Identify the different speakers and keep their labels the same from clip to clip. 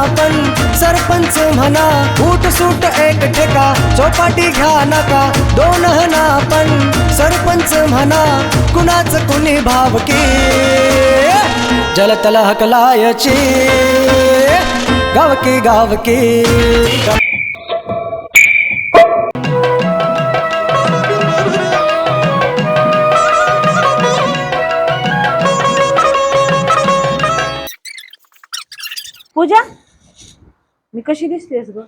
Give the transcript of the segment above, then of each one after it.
Speaker 1: आपण सरपंच म्हणा फूट सूट एक ठेका चौपाटी घ्या नका दोन हना आपण सरपंच म्हणा कुणाच कुणी भावकी जलतल हकलायची गावकी गावकी
Speaker 2: पूजा मी कशी दिसतेस ग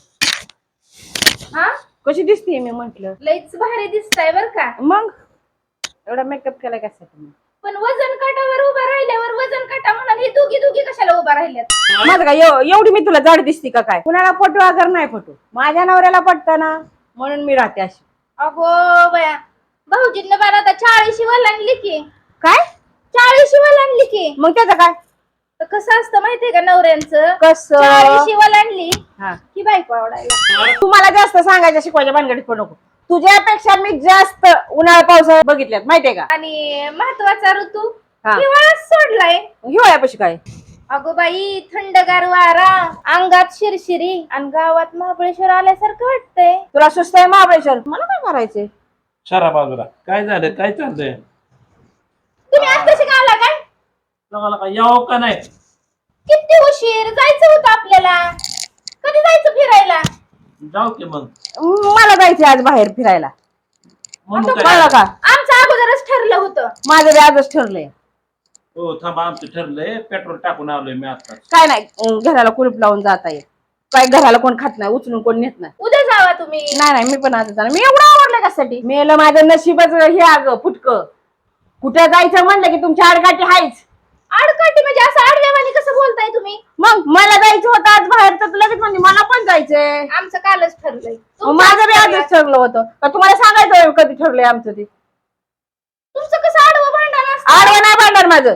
Speaker 3: हा
Speaker 2: कशी दिसतेय मी म्हंटल
Speaker 3: लईच भारी दिसताय बर का.
Speaker 2: मग एवढा मेकअप केला कशासाठी मी
Speaker 3: पण वजन काटावर उभा राहिल्यावर वजन काटा म्हणाल हे दोघी दोघी कशाला उभा राहिल्यात.
Speaker 2: माझं काय एवढी मी तुला जाड दिसती का काय कुणाला पटू अगर नाही पटू माझ्या नवऱ्याला पटतं ना म्हणून मी राहते अशी.
Speaker 3: अगो बया भाऊजींना बारा आता 40 वलांडली की.
Speaker 2: काय
Speaker 3: 40 वलांडली की.
Speaker 2: मग त्याचं काय
Speaker 3: तर कसं असतं माहितीये का नवऱ्यांचं
Speaker 2: कसं
Speaker 3: 40 वलांडली
Speaker 2: हा
Speaker 3: की बायको आवडायला.
Speaker 2: तुम्हाला जास्त सांगायच्या शिकवायच्या भानगडीत पण नको तुझ्यापेक्षा मी जास्त उन्हाळा पावसाळा बघितल्यात माहितीये का.
Speaker 3: आणि महत्वाचा ऋतू
Speaker 2: हा.
Speaker 3: हिवाळाच सोडलाय.
Speaker 2: हिवाळ्यापाशी काय
Speaker 3: अगो बाई थंडगार वारा अंगात शिरशिरी आणि गावात महाबळेश्वर आल्यासारखं वाटतंय.
Speaker 2: तुला सुस्त आहे महाबळेश्वर मला काय करायचंय.
Speaker 4: शरा बाजूला काय झालं काय चाललंय
Speaker 3: तुम्ही आज कशी का आला काय.
Speaker 4: लोकांना काय यावं का नाही
Speaker 3: किती उशीर जायचं होतं आपल्याला. कधी जायचं फिरायला.
Speaker 4: जाऊ की मग
Speaker 2: मला जायचंय आज बाहेर फिरायला
Speaker 4: म्हणून
Speaker 2: कळलं
Speaker 4: काय
Speaker 2: का
Speaker 3: आमचं अगोदरच ठरलं होतं.
Speaker 2: माझं बी आजच ठरलंय.
Speaker 4: हो थांबा आमचं ठरलंय पेट्रोल टाकून आलोय मी आता
Speaker 2: काय नाही घराला कुलूप लावून जाता येईल काय घराला कोण खात नाही उचलून कोण नेत नाही.
Speaker 3: उद्या जावा तुम्ही.
Speaker 2: नाही मी पण आज जाणार मी एवढं आवडलं कशासाठी मेलं माझं नशीबच हे अगं फुटक कुठं जायचं म्हणलं की तुमची आडकाठी हायच.
Speaker 3: आडकाठी म्हणजे असं आडव्यावानी कसं बोलताय तुम्ही.
Speaker 2: मग मला जायचं होतं आज बाहेर तर लगेच म्हणजे मला पण जायचंय.
Speaker 3: आमचं कालच ठरलंय.
Speaker 2: मग माझं बी आजच ठरलं होतं का तुम्हाला सांगायचं कधी ठरलंय आमचं ते.
Speaker 3: तुमचं कसं आडवं भांडण असतं.
Speaker 2: आडवं नाही भांडणार माझं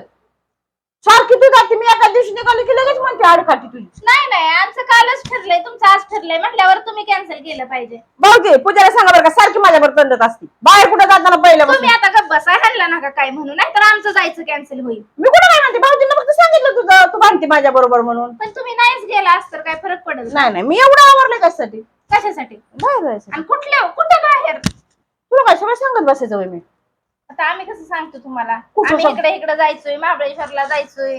Speaker 2: सारखी तू जाते मी एका दिवशी निघाली की लगेच म्हणते आडकाठी तुझी.
Speaker 3: नाही आमचं कालच ठरलंय तुमचं आज ठरलंय म्हटल्यावर तुम्ही कॅन्सल केलं पाहिजे.
Speaker 2: भाऊजी पूजाला सांगा बरं का सारखी माझ्यावर तंडत असते बाहेर कुठं जाताना पहिलं
Speaker 3: तुम्ही आता गप्प बसा हल्ला नका काय म्हणून नाहीतर आमचं जायचं कॅन्सल होईल.
Speaker 2: मी कुठं काय म्हणते भाऊजींना फक्त सांगितलं तुझं तू भांडते माझ्या बरोबर म्हणून.
Speaker 3: पण तुम्ही नाहीच गेला असत तर काय फरक पडेल.
Speaker 2: नाही मी एवढं आवडलं कशासाठी
Speaker 3: कशासाठी
Speaker 2: बाहेर जायचं.
Speaker 3: आणि कुठं बाहेर.
Speaker 2: तुला काय सगळं सांगत बसायचं होय मी.
Speaker 3: आता आम्ही कसं सांगतो तुम्हाला.
Speaker 2: कुठं
Speaker 3: आम्ही
Speaker 2: सांग-
Speaker 3: इकडे जायचोय महाबळेश्वरला जायचोय.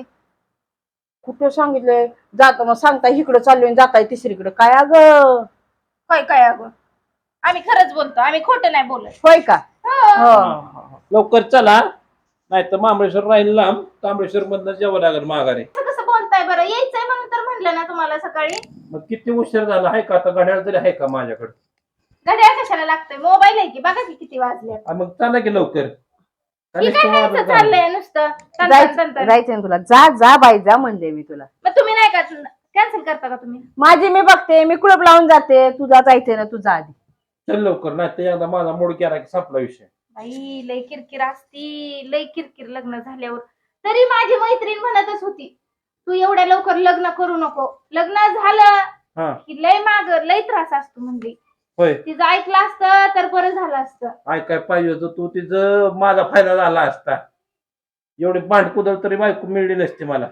Speaker 2: कुठं सांगितलंय जातो मग सांगता इकडं चाललोय जाताय तिसरीकडे काय अगं
Speaker 3: काय अगं आम्ही खरंच बोलतो आम्ही खोटं नाही बोलत.
Speaker 2: होय का.
Speaker 3: हो.
Speaker 2: हो
Speaker 4: लवकर चला नाही तर महाबळेश्वर राहील लांब महाबळेश्वर मधनं जेवण लागेल माघारी.
Speaker 3: असं कसं बोलताय बरं यायचंय म्हणून तर म्हणलं ना तुम्हाला सकाळी.
Speaker 4: मग किती उशीर झाला आहे का आता घड्याळ तरी आहे का माझ्याकडे
Speaker 3: घड्याळ कशाला लागतंय मोबाईल आहे की बघा की किती वाजले.
Speaker 4: मग चला की लवकर
Speaker 3: काय ह्यांचं चाललंय नुसतं तंतन.
Speaker 2: जायचंय ना तुला जा जा बाई जा म्हणले मी तुला.
Speaker 3: मग तुम्ही नाही का कॅन्सल करता का तुम्ही.
Speaker 2: माझी मी बघते मी कुलप लावून जाते तुझा जायचंय ना तुझा आधी.
Speaker 4: चल लवकर नाही तर एकदा माझा मूड केला की संपला विषय.
Speaker 3: बाई लय किरकिर असती लय किरकिर लग्न झाल्यावर. तरी माझी मैत्रीण म्हणतच होती तू एवढ्या लवकर लग्न करू नको लग्न झालं
Speaker 4: हा
Speaker 3: की लय लय त्रास असतो म्हणजे.
Speaker 4: होय
Speaker 3: तिचं ऐकलं असतं तर बरं झालं असतं.
Speaker 4: ऐकाय पाहिजे होतं तू तिचं माझा फायदा झाला असता एवढी भांडकुदळ तरी बायको मिळली नसती मला.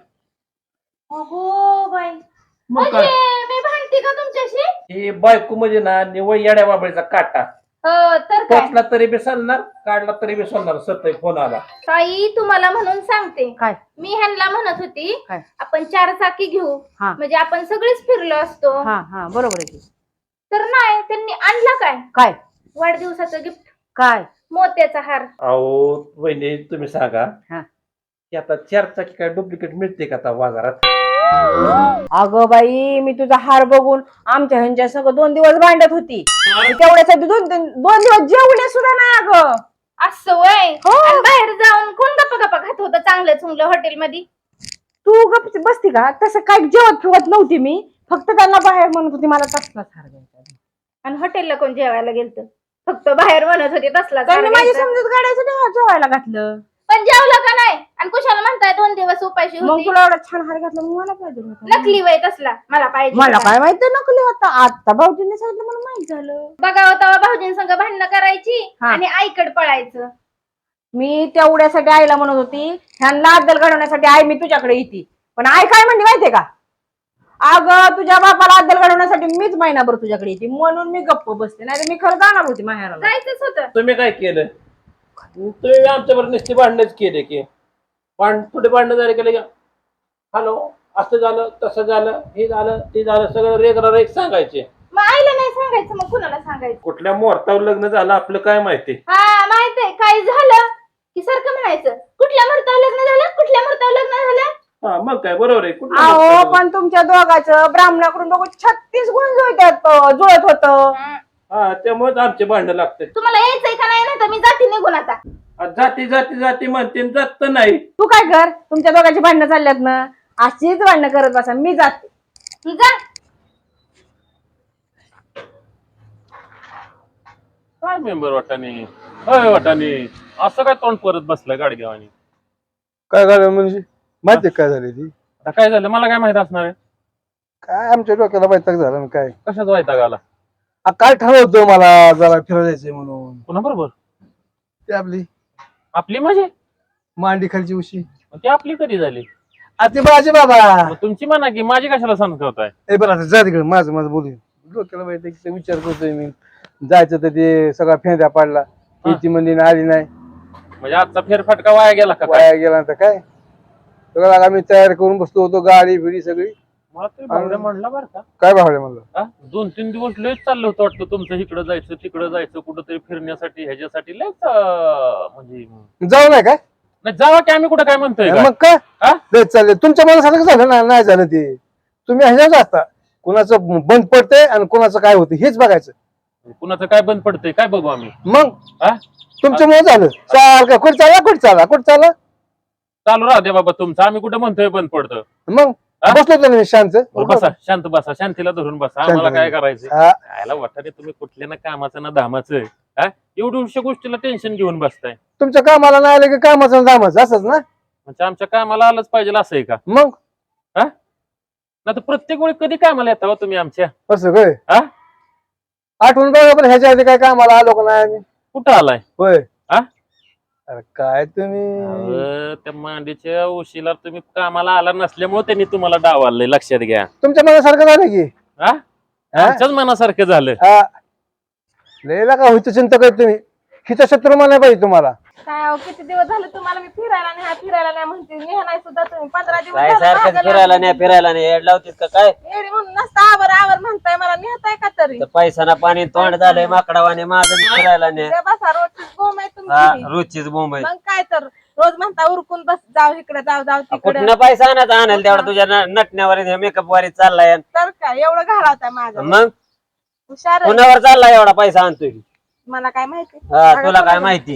Speaker 3: अगो बाई
Speaker 4: मग काय
Speaker 3: म्हणजे मी भांडते का तुमच्याशी.
Speaker 4: ही बायको म्हणजे ना निवळ येड्या बाबळीचा काटा
Speaker 3: तर काय
Speaker 4: पोचला तरी बी चालणार काढला तरी बी चालणार सतय फोन आला.
Speaker 3: ताई तुम्हाला म्हणून सांगते
Speaker 2: काय
Speaker 3: मी ह्यांना म्हणत होती
Speaker 2: काय?
Speaker 3: आपण 4 चाकी घेऊ
Speaker 2: हा.
Speaker 3: म्हणजे आपण सगळीच फिरलो असतो.
Speaker 2: हा हा बरोबर आहे की.
Speaker 3: तर नाही त्यांनी आणला काय
Speaker 2: काय
Speaker 3: वाढदिवसाचं गिफ्ट
Speaker 2: काय
Speaker 3: मोत्याचा हार.
Speaker 4: अहो वहिनी तुम्ही सांगा
Speaker 2: हा.
Speaker 4: की आता 4 चाकी काय डुप्लिकेट मिळते का आता बाजारात.
Speaker 2: अगं बाई मी तुझा हार बघून आमच्या ह्यांच्या सगळं 2 दिवस भांडत होती तेवढ्यासाठी 2 दिवस जेवले सुद्धा नाही अगं.
Speaker 3: असं वय
Speaker 2: हो.
Speaker 3: आणि बाहेर जाऊन कोण गप्पा खात होतं चांगलं चुंगलं हॉटेलमध्ये.
Speaker 2: तू गप बसती का तसं काय जेवत फिवत नव्हती मी फक्त त्यांना बाहेर म्हणत होती मला तसलाच हार घ्यायचा.
Speaker 3: आणि हॉटेलला कोण जेवायला गेलत फक्त बाहेर म्हणत होते तसला
Speaker 2: त्यांनी माझी समजूत काढायचं जेवायला घातलं.
Speaker 3: पण जेवलं का नाही आणि कुशाला म्हणताय 2 दिवस उपाशी
Speaker 2: मग
Speaker 3: होती.
Speaker 2: तुला एवढा छान हार घातला मग मला पाहिजे होता.
Speaker 3: नकली वय तसला मला पाहिजे
Speaker 2: मला
Speaker 3: होता.
Speaker 2: काय माहिती नकली होता आता भाऊजींनी सांगितलं मला माहित झालं.
Speaker 3: बघावं तेव्हा भाऊजींसंग भांडणं करायची
Speaker 2: हा.
Speaker 3: आणि आईकडे पळायचं.
Speaker 2: मी तेवढ्यासाठी आईला म्हणत होती ह्यांना अद्दल घडवण्यासाठी आई मी तुझ्याकडे येते पण आई काय म्हणली माहितीये का अगं तुझ्या बापाला अद्दल घडवण्यासाठी मीच महिनाभर तुझ्याकडे येते म्हणून मी गप्प बसते नाही तर मी खरं जाणार होती माहेराला.
Speaker 3: जायचंच होतं.
Speaker 4: तुम्ही काय केलं? तुम्ही आमच्याबरोबर नुसती भांडणच केले की थोडे भांडणं झाले केले का हॅलो असं झालं तसं झालं हे झालं ते झालं सगळं रेगरा रेग सांगायचे.
Speaker 3: मग आईला नाही सांगायचं मग कुणाला सांगायचं?
Speaker 4: कुठल्या मुहूर्तावर लग्न झालं आपलं काय माहिती?
Speaker 3: हा माहितीये काय झालं की सारखं म्हणायचं कुठल्या मुहूर्तावर लग्न झालं कुठल्या मुहूर्तावर लग्न झालं.
Speaker 4: हा मग काय बरोबर आहे. कुठल्या
Speaker 2: अहो
Speaker 4: मुहूर्तावर?
Speaker 2: पण तुमच्या दोघांचं ब्राह्मणाकडून दोघं 36 गुण जुळत होत.
Speaker 4: हा त्यामुळेच आमचे भांडणं लागतात.
Speaker 3: तुम्हाला यायचंय का नाही ना तर मी जाते निघून आता.
Speaker 4: जाती जाती जाती म्हणते आणि जात तर नाही.
Speaker 2: तू काय कर तुमच्या दोघांची भांडणं चालल्यात ना अशीच भांडणं करत बसा मी जाते.
Speaker 3: तू जा.
Speaker 5: काय मेंबर वाटाणे होय वाटाणे असं काय तोंड परत बसलाय गाडग्यावानी?
Speaker 6: काय झालं म्हणजे माहिती काय झाली ती?
Speaker 5: आता काय झालं मला काय माहित असणार आहे?
Speaker 6: काय आमच्या डोक्याला वैताग झाला ना काय.
Speaker 5: कशाच वैताग आला?
Speaker 6: काय ठरवतो मला जरा फिरायला जायचंय म्हणून.
Speaker 5: पुन्हा बरोबर
Speaker 6: ते आपली
Speaker 5: आपली म्हणजे
Speaker 6: मांडी खालची उशी
Speaker 5: ती आपली कधी झाली?
Speaker 6: ते माझे बाबा.
Speaker 5: मग तुमची म्हणा की माझी कशाला सांगताय?
Speaker 6: ए बरं आता जा तिकडे माझं माझं बोलू. डोक्याला वैताग विचार करतोय मी. जायचं तर ते सगळा फेंद्या पाडला. ती मंदी आली नाही.
Speaker 5: म्हणजे आजचा फेरफटका वाया गेला का काय?
Speaker 6: वाया गेला तर काय सगळं आम्ही तयार करून बसलो होतो गाडी बिडी सगळी.
Speaker 5: मला तरी भावड्या म्हणला बरं का.
Speaker 6: काय भावले म्हणलं
Speaker 5: हा? 2-3 दिवस लयच चाललं होतं वाटतं तुमचं इकडं जायचं तिकडं जायचं कुठंतरी फिरण्यासाठी ह्याच्यासाठी लयच म्हणजे
Speaker 6: जाऊ नाही काय
Speaker 5: नाही जावा की आम्ही कुठं काय म्हणतोय का?
Speaker 6: मग काय
Speaker 5: हा?
Speaker 6: तेच चाललंय तुमच्या मनासारखं झालं ना नाही झालं ते. तुम्ही ह्याच्यावर असता कुणाचं बंद पडतंय आणि कुणाचं काय होतं हेच बघायचं.
Speaker 5: कुणाचं काय बंद पडतंय काय बघू आम्ही?
Speaker 6: मग
Speaker 5: हा?
Speaker 6: तुमच्यामुळे झालं. चाल का कुठे चाला कुठे चाला
Speaker 5: चालू राहू दे बाबा तुमचं आम्ही कुठं म्हणतोय बंद पडतं.
Speaker 6: मग
Speaker 5: हा?
Speaker 6: बसलो होतो ना शांत.
Speaker 5: बसा शांत बसा शांतीला धरून बसा आम्हाला काय करायचं?
Speaker 6: हा,
Speaker 5: यायला वाटतं तुम्ही कुठल्या ना कामाचं ना धामाचं हा एवढ्या गोष्टीला टेन्शन घेऊन बसताय.
Speaker 6: तुमच्या कामाला नाही आलं की कामाचं दामाचं असंच ना.
Speaker 5: म्हणजे आमच्या कामाला आलंच पाहिजे असं आहे का?
Speaker 6: मग
Speaker 5: ना तर प्रत्येक वेळी कधी कामाला येता हो तुम्ही आमच्या?
Speaker 6: असं काय
Speaker 5: हा?
Speaker 6: आठवण बघा पण ह्याच्या आधी काय कामाला आलो का नाही आम्ही.
Speaker 5: कुठं आलाय?
Speaker 6: होय
Speaker 5: हा?
Speaker 6: अरे काय तुम्ही
Speaker 5: अहो, त्या मांडीच्या उशीला तुम्ही कामाला आला नसल्यामुळे त्यांनी तुम्हाला डावालंय लक्षात घ्या.
Speaker 6: तुमच्या मनासारखं झालं की
Speaker 5: हा?
Speaker 6: हा?
Speaker 5: आमच्याच मनासारखं झालं.
Speaker 6: हा लयला का होईत चिंता करत तुम्ही. हिचा शत्रू मला पाहिजे तुम्हाला.
Speaker 3: काय अहो, किती दिवस झाले तुम्हाला मी फिरायला नाही म्हणते नाही सुद्धा तुम्ही 15 दिवस
Speaker 7: काय
Speaker 3: झाले
Speaker 7: सारखं
Speaker 3: मागं
Speaker 7: फिरायला नाही एड लावतीस का काय?
Speaker 3: येडी म्हणून नसता आवर म्हणताय मला नेहताय का तरी.
Speaker 7: तर पैसा पाणी तोंड झालंय माकडावाने माझं बी फिरायला नाही.
Speaker 3: ते बसा रोजचीच बोंब आहे
Speaker 7: हा
Speaker 3: तुमची.
Speaker 7: रोजचीच बोंब आहे.
Speaker 3: मग काय तर रोज म्हणता उरकून बस जाऊ इकडे जाऊ तिकडे.
Speaker 7: कुठनं पैसा आणायचा आणायला तेवढा तुझ्या नटण्यावर मेकअप वारी चाललाय.
Speaker 3: तर काय एवढं घालावताय माझं
Speaker 7: मग
Speaker 3: हुशार आहे.
Speaker 7: कुणावर चाललाय एवढा पैसा आणतोय?
Speaker 3: मला काय माहिती.
Speaker 7: हा तुला काय माहिती?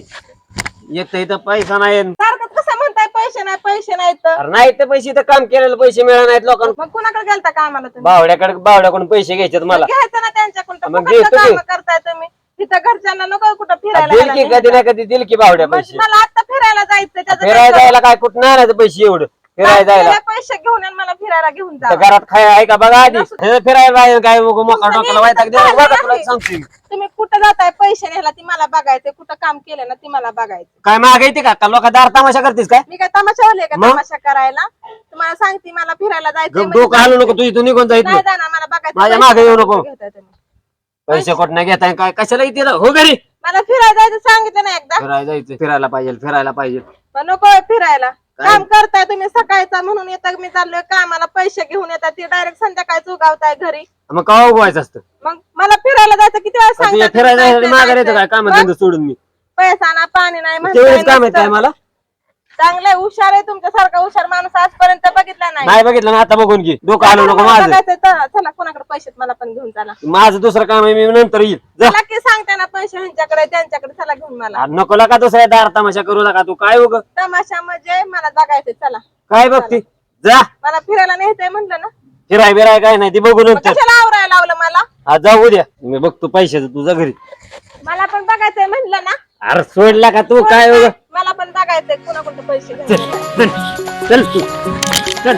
Speaker 7: एक तर इथं पैसा नाही.
Speaker 3: सारखं कसं म्हणताय पैसे नाही तर.
Speaker 7: अरे नाही तर पैसे तर काम केलेले पैसे मिळणार नाहीत लोकांना.
Speaker 3: मग कुणाकडे गेलता कामाला तुम्ही?
Speaker 7: बावड्याकडून पैसे घ्यायचे मला.
Speaker 3: घ्यायचं ना त्यांच्याकडून तर
Speaker 7: मग
Speaker 3: फुकटचं
Speaker 7: घेतो की.
Speaker 3: कामं करताय तुम्ही. तिथं घरच्यांना नको कुठं फिरायला
Speaker 7: दिल
Speaker 3: गेला
Speaker 7: की
Speaker 3: नाही.
Speaker 7: कधी ना कधी दिल की बावड्या
Speaker 3: मग
Speaker 7: पैसे.
Speaker 3: मला आता फिरायला जायचं त्याचं
Speaker 7: फिरायला
Speaker 3: काय
Speaker 7: जायला काय कुठं आणायचं पैसे एवढं फिरायला जायला?
Speaker 3: करू? पैसे घेऊन या आणि मला फिरायला घेऊन जा.
Speaker 7: तर घरात खाय आहे का बघा आधी. हे फिरायला जायला काय मोका डोक्याला वैताग देऊ बघा तुला सांगतोय.
Speaker 3: तुम्ही कुठं जाताय पैसे न्यायला ती मला बघायचंय कुठं काम केलं ना ती मला बघायचं.
Speaker 7: काय माग येते का लोक दार तमाशा करतेस काय?
Speaker 3: मी काय तमाशा वाले का
Speaker 7: मग?
Speaker 3: तमाशा करायला? तुम्हाला सांगते मला फिरायला जायचंय
Speaker 7: गप
Speaker 3: म्हणजे
Speaker 7: डोकं हालू नको तू इथून निघून जायचं
Speaker 3: नाही जाणार मला बघायचं.
Speaker 7: माझ्या
Speaker 3: पैसे
Speaker 7: मागे येऊ नको.
Speaker 3: घेताय तुम्ही.
Speaker 7: पैसे कुठं घेताय काय कशाला येते हो घरी?
Speaker 3: मला फिरायला जायचं सांगितलं ना एकदा.
Speaker 7: फिरायला जायचं फिरायला पाहिजे.
Speaker 3: पण नको फिरायला. काम करताय तुम्ही सकाळचा म्हणून येतात मी चाललोय कामाला पैसे घेऊन येतात ती डायरेक्ट संध्याकाळी उगावताय घरी.
Speaker 7: मग का उगवायचं असतं?
Speaker 3: मग मला फिरायला जायचं किती वेळा
Speaker 7: तुझ्या
Speaker 3: सांगतात
Speaker 7: फिरायला
Speaker 3: तुम्ही
Speaker 7: जायचं माघार येतं काय
Speaker 3: जायचं.
Speaker 7: काम
Speaker 3: मग
Speaker 7: धंदा सोडून मी
Speaker 3: पैसा ना पाणी नाही
Speaker 7: तेवढेच
Speaker 3: म्हणताय
Speaker 7: काम येत काय
Speaker 3: नुसतं.
Speaker 7: मला?
Speaker 3: चांगलंय हुशार आहे तुमच्यासारखा हुशार माणूस आजपर्यंत बघितला नाही.
Speaker 7: नाही बघितलं ना आता बघून घे डोकं हालू नको
Speaker 3: मला
Speaker 7: माझं.
Speaker 3: बघायचंय तर चला कोणाकडे पैसे मला पण घेऊन चला.
Speaker 7: माझं दुसरं काम आहे मी नंतर येईल जा.
Speaker 3: चला की सांगते ना पैसे ह्यांच्याकडे त्यांच्याकडे चला घेऊन मला.
Speaker 7: अरे नको का दुसऱ्या दार तमाशा करू नका तू काय उग
Speaker 3: तमाशा म्हणजे मला जगायचंय चला.
Speaker 7: काय बघती जा
Speaker 3: मला फिरायला न्यायचंय म्हणलं ना.
Speaker 7: फिराय काय नाही ती बघू
Speaker 3: मग
Speaker 7: नंतर.
Speaker 3: कशाला आवरायला लावलं मला?
Speaker 7: हा जाऊ द्या मी बघतो पैशाचं तुझ्या घरी.
Speaker 3: मला पण बघायचंय म्हणलं ना.
Speaker 7: अरे सोडला का तू काय उग
Speaker 3: मला पण बघायचंय कुणाकडे पैसे
Speaker 7: चल
Speaker 3: घ्यायचे.
Speaker 7: चल चल तू चल.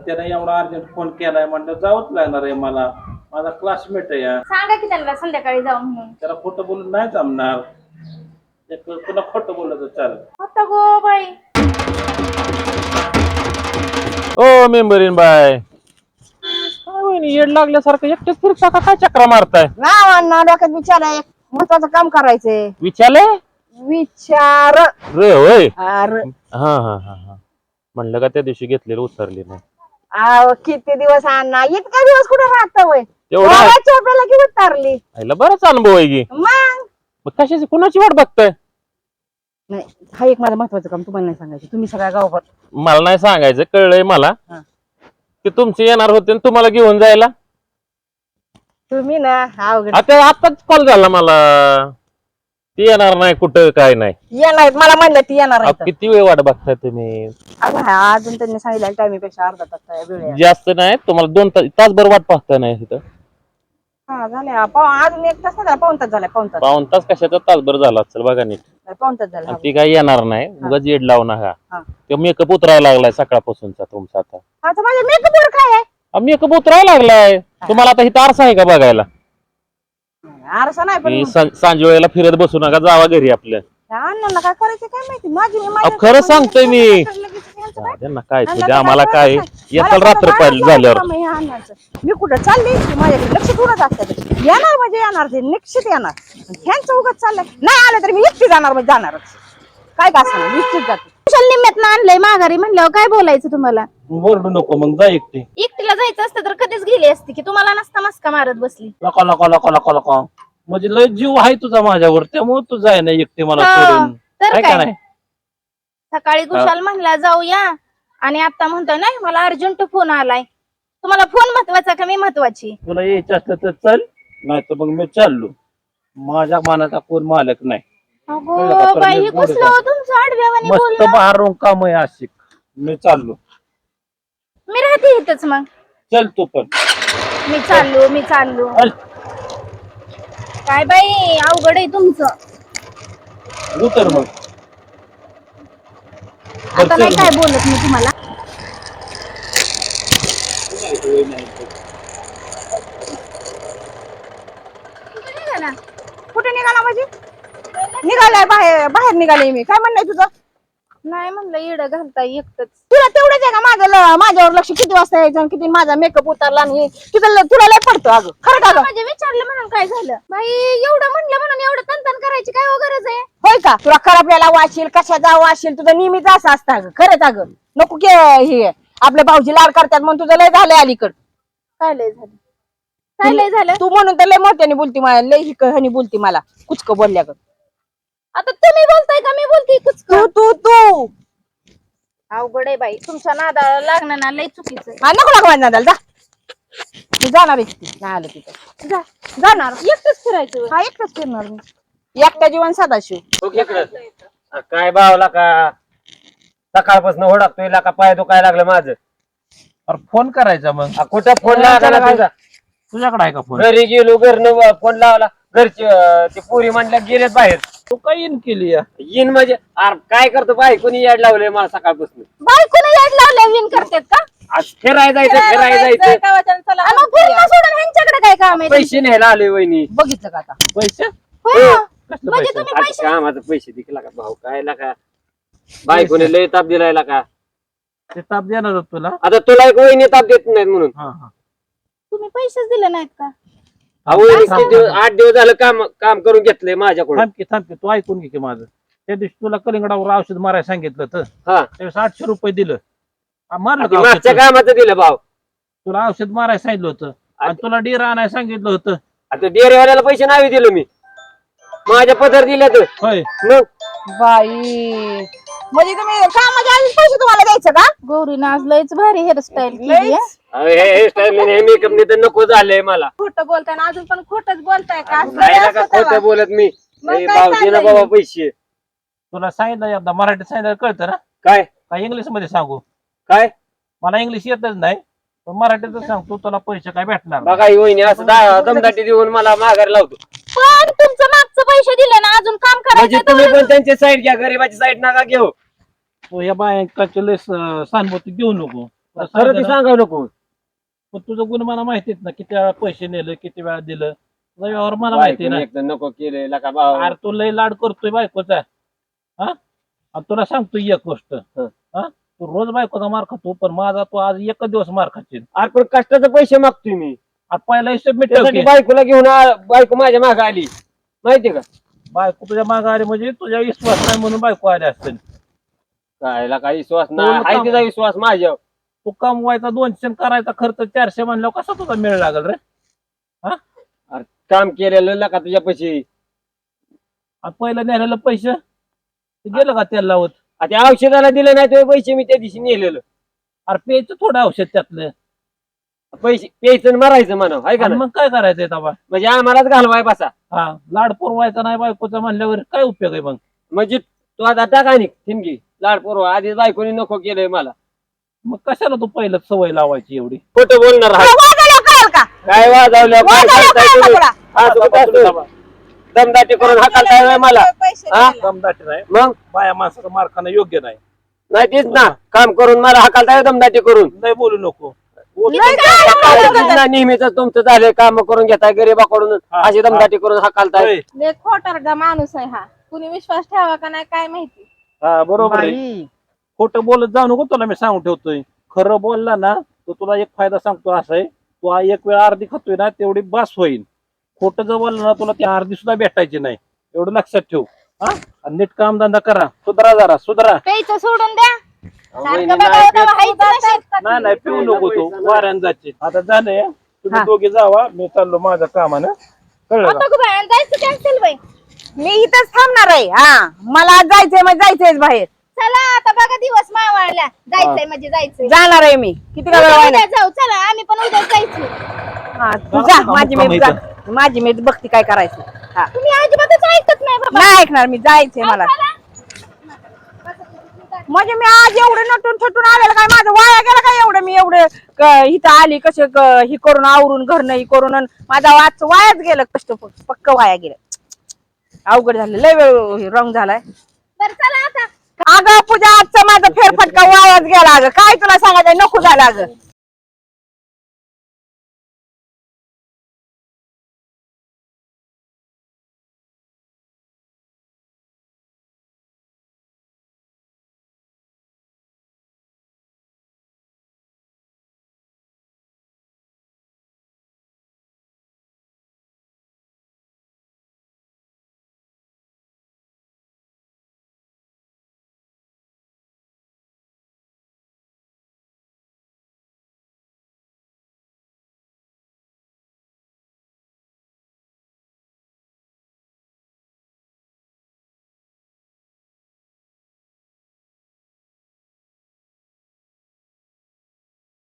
Speaker 4: त्याने एवढा अर्जंट फोन केलाय म्हणलं जावंच लागणार आहे मला. माझा क्लासमेट आहे या.
Speaker 3: सांगा की त्यांना संध्याकाळी जाऊ म्हणून.
Speaker 4: त्याला खोटं बोलून नाही जमणार. तुला खोटं बोललं तर चालेल.
Speaker 3: आता गो बाई
Speaker 5: ओ मेंबरीन बाय काय वहिनी येड लागल्यासारखं एकटेच फिरता का काय चक्रा मारताय?
Speaker 2: ना डोक्यात विचार आहे, एक महत्वाचं काम करायचंय.
Speaker 5: विचारले
Speaker 2: विचार
Speaker 5: रे होय.
Speaker 2: अरे
Speaker 5: हा हा हा हा म्हणलं का त्या दिवशी घेतलेलं उतरले नाही.
Speaker 2: किती दिवस अण्णा, इतका दिवस कुठे राहत वय?
Speaker 5: तेवढं आहे.
Speaker 2: चोपड्याला की उतारली
Speaker 5: आईला बराच अनुभव आहे की.
Speaker 2: मग
Speaker 5: कशाची कुणाची वाट बघताय?
Speaker 2: नाही, हा एक माझं महत्वाचं काम तुम्हाला नाही सांगायचं. तुम्ही सगळ्या गावभर
Speaker 5: मला नाही सांगायचं, कळलंय मला
Speaker 2: हा.
Speaker 5: की तुमचे येणार होते आणि तुम्हाला घेऊन जायला.
Speaker 2: तुम्ही ना अवघड
Speaker 5: आता आताच कॉल झाला मला, ती येणार नाही कुठं काय नाही.
Speaker 2: येणार मला म्हणलं ती येणार
Speaker 5: अहो,
Speaker 2: आहे.
Speaker 5: किती वेळ वाट बघताय तुम्ही?
Speaker 2: अजून त्यांनी सांगितलं टायमीपेक्षा अर्धा तास वेळ आहे.
Speaker 5: जास्त नाही, तुम्हाला 2 तासभर वाट पाहता नाही तिथं.
Speaker 2: हा झाले अजून 1 तास नाही झाला, पाऊण तास झाला.
Speaker 5: पाऊण तास कशाचा तासभर झाला असेल बघा नीट.
Speaker 2: पाऊण तास झाला.
Speaker 5: आणि ती काही येणार नाही, उगाच येड लावू नका.
Speaker 2: हा.
Speaker 5: ते मेकअप उतरायला लागलाय सकाळपासूनचा तुमचा. आता
Speaker 2: आता माझ्या मेकअपवर काय आहे?
Speaker 5: मेकअप उतरायला लागलाय तुम्हाला. आता इथं आरसा आहे का बघायला?
Speaker 2: आरसा नाही, पण
Speaker 5: मी सांजे वेळेला फिरत बसू नका, जावा घरी आपल्या.
Speaker 2: अण्णांना काय करायचं काय माहिती. माझी
Speaker 5: अहो, खरं सांगतोय मी. त्यांना काय ते आम्हाला काय येताल रात्र पाहिजे झाल्यावर.
Speaker 2: मी कुठं चालली की माझ्याकडे लक्ष थोडंच असतं. येणार म्हणजे येणार, ते निश्चित येणार. ह्यांचं उगाच चाललंय, नाही आलं तरी मी एकटी जाणार म्हणजे जाणारच. काय का असं निश्चित जाते.
Speaker 3: कुशल निम्म्यात आणलंय माघारी म्हणल्यावर काय बोलायचं तुम्हाला?
Speaker 4: बोलू नको मग, जा एकटी.
Speaker 3: एकटीला जायचं असतं तर कधीच गेली असती की तुम्हाला नसता मस्का मारत बसली.
Speaker 4: लका लका लका लका लका म्हणजे लय जीव आहे तुझा माझ्यावर, त्यामुळे तू जाय ना एकटी मला
Speaker 3: हा,
Speaker 4: सोडून.
Speaker 3: तर
Speaker 4: आहे का
Speaker 3: काय?
Speaker 4: नाही?
Speaker 3: सकाळी कुशाल म्हणला जाऊया आणि आता म्हणतोय नाही मला अर्जंट फोन आलाय. तुम्हाला फोन महत्वाचा का मी महत्वाची?
Speaker 4: तुला यायचं असलं तर चल, नाही तर मग मी चाललो. माझ्या मनाचा कोण मालक नाही.
Speaker 3: अगो
Speaker 4: कळलं का?
Speaker 3: बाई,
Speaker 4: मी
Speaker 3: हे
Speaker 4: बोलत
Speaker 3: कसलं
Speaker 4: आहे.
Speaker 3: हो तुमचं आडव्यावानी
Speaker 4: मस्त
Speaker 3: बोलणं.
Speaker 4: बाहेरून काम आहे आशिक. मी चाललो.
Speaker 3: मी राहते इथंच मग.
Speaker 4: चल तू पण.
Speaker 3: मी चाललो.
Speaker 4: चल.
Speaker 3: काय बाई अवघड आहे तुमचं.
Speaker 4: उतर मग.
Speaker 3: आता नाही काय बोलत मी तुम्हाला.
Speaker 2: कुठे निघाला म्हणजे? निघालाय बाहेर निघाले मी. काय म्हणणं तुझं?
Speaker 3: नाही म्हणलं येड घालताय एकटच.
Speaker 2: तुला तेवढंच आहे का माझ्यावर लक्ष किती वाजता यायचं आणि किती माझा मेकअप उतरला आणि तुला लय पडतो. अगं खरं का गं?
Speaker 3: म्हणजे विचारलं म्हणून काय झालं? बाई एवढं म्हणलं म्हणून एवढं तनतन करायची काय हो गरज आहे?
Speaker 2: होय का? तुला खराबल्याला वाशील कशाचा वाशील तुझं नेहमीच असं असतं. अगं खरंच अगं नको की हे आपले भाऊजी लाड करतात म्हणून तुझं लय झालंय अलीकड.
Speaker 3: काय लय झालं? काय लय झालं?
Speaker 2: तू म्हणून तर लय मोठ्याने बोलती मला, लय हनी बोलती मला कुचक बोलल्या ग.
Speaker 3: आता तुम्ही बोलताय का मी बोलते कुचक?
Speaker 2: तू
Speaker 3: अवघड आहे बाई, तुमच्या नादाला लागणं ना लय चुकीचं आहे.
Speaker 2: नको लागू माझ्या जा. मी जाणार आहे तिथे. नाही आलं तिथं जाणार
Speaker 3: एकटंच फिरायचं.
Speaker 2: हा एकटाच फिरणार मी. एकटा जीवन सदाशिव.
Speaker 7: काय भावला का सकाळपासून ओढकतोय का पाय दुखायला लागलं माझं.
Speaker 4: अरे फोन करायचा मग.
Speaker 7: कुठं फोन लागला तुझा?
Speaker 4: तुझ्याकडे आहे का फोन?
Speaker 7: घरी गेलो घरनं फोन लावला. घरची ते पुरी म्हणल्या गेलेत बाहेर.
Speaker 4: तू काय इन केली या?
Speaker 7: येईन म्हणजे अरे काय करतो बाई कोणी याड लावलंय मला सकाळपासून.
Speaker 3: बायकोने याड लावल्या विन करतात का?
Speaker 7: आज फिरायला जायचं.
Speaker 3: आणि मग फिरणं सोडून ह्यांच्याकडे काय काम आहे?
Speaker 7: पैसे न्यायला आले वहिनी.
Speaker 2: बघितलं का आता?
Speaker 4: पैसे?
Speaker 3: होय.
Speaker 4: कसले
Speaker 3: म्हणजे
Speaker 4: पैसे?
Speaker 3: तुम्ही
Speaker 7: आज
Speaker 3: पैसे
Speaker 7: कामाचं पैसे दिला का भाऊ काय का बायकोने लय ताप दिलाय का.
Speaker 4: ते ताप देणार होत तुला?
Speaker 7: आता तुला एक वहिनी ताप देत नाहीत म्हणून.
Speaker 4: हा हा.
Speaker 3: तुम्ही पैसेच दिले नाहीत का?
Speaker 7: वहिनी 8 दिवस झालं काम करून घेतलंय माझ्याकडून.
Speaker 4: थांब की तू ऐकून घे की माझं. त्या दिवशी तुला कलिंगडावर औषध मारायला सांगितलं तर
Speaker 7: हा
Speaker 4: त्यावेळेस 800 रुपये दिलं. मारलं
Speaker 7: ते
Speaker 4: का
Speaker 7: मागच्या
Speaker 4: औषध?
Speaker 7: कामाचं दिलं भाऊ.
Speaker 4: तुला औषध मारायला सांगितलं होतं आणि तुला डेरा आणायला सांगितलं होतं.
Speaker 7: आता डेअरीवाल्याला पैसे नाही दिलो मी. माझ्या पदर दिले तर
Speaker 4: होय.
Speaker 7: मग
Speaker 2: बाई म्हणजे तुम्ही कामाच्या आधीच पैसे तुम्हाला द्यायचं का?
Speaker 3: गौरीनं आज लयच भारी हेअरस्टाईल केली
Speaker 2: लयच?
Speaker 3: आहे.
Speaker 7: हे स्टाईल मेकअप तर नको झालंय मला.
Speaker 2: खोटं बोलताय ना अजून पण खोटच बोलताय का? असं
Speaker 7: नाही
Speaker 2: नाही
Speaker 7: नका
Speaker 2: असं
Speaker 7: खोटं
Speaker 2: तेव्हा.
Speaker 7: बोलत मी.
Speaker 2: मग
Speaker 7: ए,
Speaker 2: काय
Speaker 7: भाऊजी ना
Speaker 2: चाललंय?
Speaker 7: बाबा पैसे
Speaker 4: तुला सांगितलं एकदा मराठीत सांगितलं कळतं ना?
Speaker 7: काय
Speaker 4: काय इंग्लिश मध्ये सांगू?
Speaker 7: काय
Speaker 4: मला इंग्लिश येतच नाही पण मराठीतच सांगतो तुला पैसे काय भेटणार नाही.
Speaker 7: बघा ही वहिनी असं दमदाटी देऊन मला माघारी लावतो.
Speaker 3: पण तुमचं मागचं पैसे दिले ना अजून काम
Speaker 7: म्हणजे
Speaker 3: करायचं
Speaker 7: तुम्ही पण त्यांची साईड घ्या गरीबाची साईड नका घेऊ.
Speaker 4: तू या बायकाचे लय सहानुभूती घेऊ नको. तुला
Speaker 7: खरं ते
Speaker 4: सांगितलं ना,
Speaker 7: सांगावं नको.
Speaker 4: पण तुझं गुण मला माहितीत ना, किती वेळा पैसे नेलं, किती वेळा दिलं, तुझा व्यवहार मला माहिती
Speaker 7: बायकोने
Speaker 4: ना.
Speaker 7: एक तर नको केले का भाऊ.
Speaker 4: अरे तू लय लाड करतोय बायकोचा. हा आणि तुला सांगतो एक गोष्ट, हा तू रोज बायकोचा मार खातो, पण माझा तू आज एक दिवस मार खाशील.
Speaker 7: अरे पण कष्टाचे पैसे मागतोय मी.
Speaker 4: पहिला हिशोब मी
Speaker 7: त्यासाठी
Speaker 4: ठेवते.
Speaker 7: बायकोला घेऊन बायको माझ्या मागे आली माहितीये का.
Speaker 4: बायको तुझ्या मागे आली म्हणजे तुझ्या विश्वास नाही म्हणून बायको आली असेल.
Speaker 7: कायला काही विश्वास
Speaker 4: बोल
Speaker 7: नाही, आहे
Speaker 4: का?
Speaker 7: तिचा विश्वास माझ्यावर.
Speaker 4: तू कमवायचा 200 करायचा खर्च 400 म्हणल्यावर कसा तुझा मेळ लागल रे.
Speaker 7: काम केलेलं का तुझ्या पैसे.
Speaker 4: आणि पहिलं नेलेलं पैसे ते गेलं का त्याला लावत.
Speaker 7: त्या औषधाला दिले नाही ते पैसे मी त्या दिवशी नेलेलं.
Speaker 4: अरे प्यायचं थोडं औषध त्यातलं.
Speaker 7: पैसे प्यायचं आणि मरायचं म्हणा, आहे का
Speaker 4: आणि
Speaker 7: नाही?
Speaker 4: मग काय करायचंय तबा.
Speaker 7: म्हणजे आम्हालाच घालवाय बसा.
Speaker 4: हा लाड पुरवायचा नाही बायकोचा म्हणल्यावर काय उपयोग आहे मग.
Speaker 7: म्हणजे तू आता टाका नि ठिणगी लाड पोरवा. आधीच बायकोनी नको केलंय मला.
Speaker 4: मग कशाला तू पहिलं सवय लावायची एवढी.
Speaker 7: खोटं बोलणार
Speaker 2: तुला
Speaker 7: आहे.
Speaker 2: वाजायला कळेल का?
Speaker 7: काय वाजवलं काय
Speaker 2: वाजायला
Speaker 7: करताय
Speaker 2: कळेल का
Speaker 7: तुम्ही?
Speaker 2: तुला?
Speaker 7: दमदाटी करून हाकालताय व्हय मला.
Speaker 2: पैसे
Speaker 7: हा?
Speaker 2: द्यायला.
Speaker 4: दमदाटी नाही,
Speaker 7: मग
Speaker 4: बाया माणसाचं मार खाणं योग्य नाही.
Speaker 7: नाही तेच ना, काम करून मला हाकालताय दमदाटी करून.
Speaker 4: नाही बोलू नको.
Speaker 2: लय काय
Speaker 7: ना नेहमीच तुमचं झालंय, काम करून घेताय गरीबाकडून
Speaker 4: हा,
Speaker 7: अशी दमदाटी करून हाकालताय.
Speaker 4: होय.
Speaker 3: लय खोटारडा माणूस आहे हा. कुणी विश्वास ठेवा का नाही काय माहिती.
Speaker 4: हा बरोबर आहे.
Speaker 2: बाई.
Speaker 4: खोटं बोलत जाऊ नको, तुला मी सांगून ठेवतोय. खरं बोलला ना तर तुला एक फायदा सांगतो असा आहे, तू एक वेळ अर्धी खातोय ना तेवढी बास होईल. खोटं जर बोललं ना तुला ती अर्धी सुद्धा भेटायची नाही, एवढं लक्षात ठेव. हा आणि नीट काम धंदा करा, सुधरा जरा सुधरा.
Speaker 3: प्यायचं सोडून द्या.
Speaker 7: वहिनी
Speaker 3: सारखं
Speaker 7: नाही
Speaker 3: बघावं
Speaker 7: पेत.
Speaker 3: तेव्हा हायचं नशीब.
Speaker 4: नाही नाही पिऊ नको तू, वाऱ्यान जायचे. आता झालंय, तुम्ही
Speaker 2: हा.
Speaker 4: दोघे जावा, मी चाललो माझ्या कामानं. कळलं का?
Speaker 3: आता गं बाई, आणि जायचं कॅन्सल बाई.
Speaker 2: मी इथंच थांबणार आहे. हा मला आज जायचंय मग जायचंय बाहेर.
Speaker 3: चला आता बघा दिवस मावळला. जायचंय म्हणजे जायचंय.
Speaker 2: जाणार आहे मी. किती का वेळ
Speaker 3: उद्या
Speaker 2: व्हायला?
Speaker 3: जाऊ चला, आम्ही पण उद्या जायचं.
Speaker 2: हा, तू जा, माझी मी
Speaker 4: मुक्काम
Speaker 2: माझी मी बघते काय करायचं. हा
Speaker 3: तुम्ही अजिबातच ऐकत नाही बाबा.
Speaker 2: नाही ऐकणार मी, जायचंय मला.
Speaker 3: चला.
Speaker 2: म्हणजे मी आज एवढं नटून थटून आलेलं काय माझं वाया गेलं काय एवढं. मी एवढं इथं आली कसे ही करून आवरून घर नाही करून अन माझा आज वायाच गेलं. कष्ट पक्क वाया गेलं. अवघड झालं, लय वेळ रंग झालाय.
Speaker 3: बरं चला आता.
Speaker 2: अगं पूजा आजचा माझा फेरफटका वायाच गेला. अगं काय तुला सांगायचं, नको झालं अगं.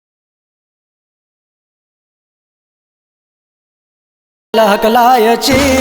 Speaker 1: हकलायची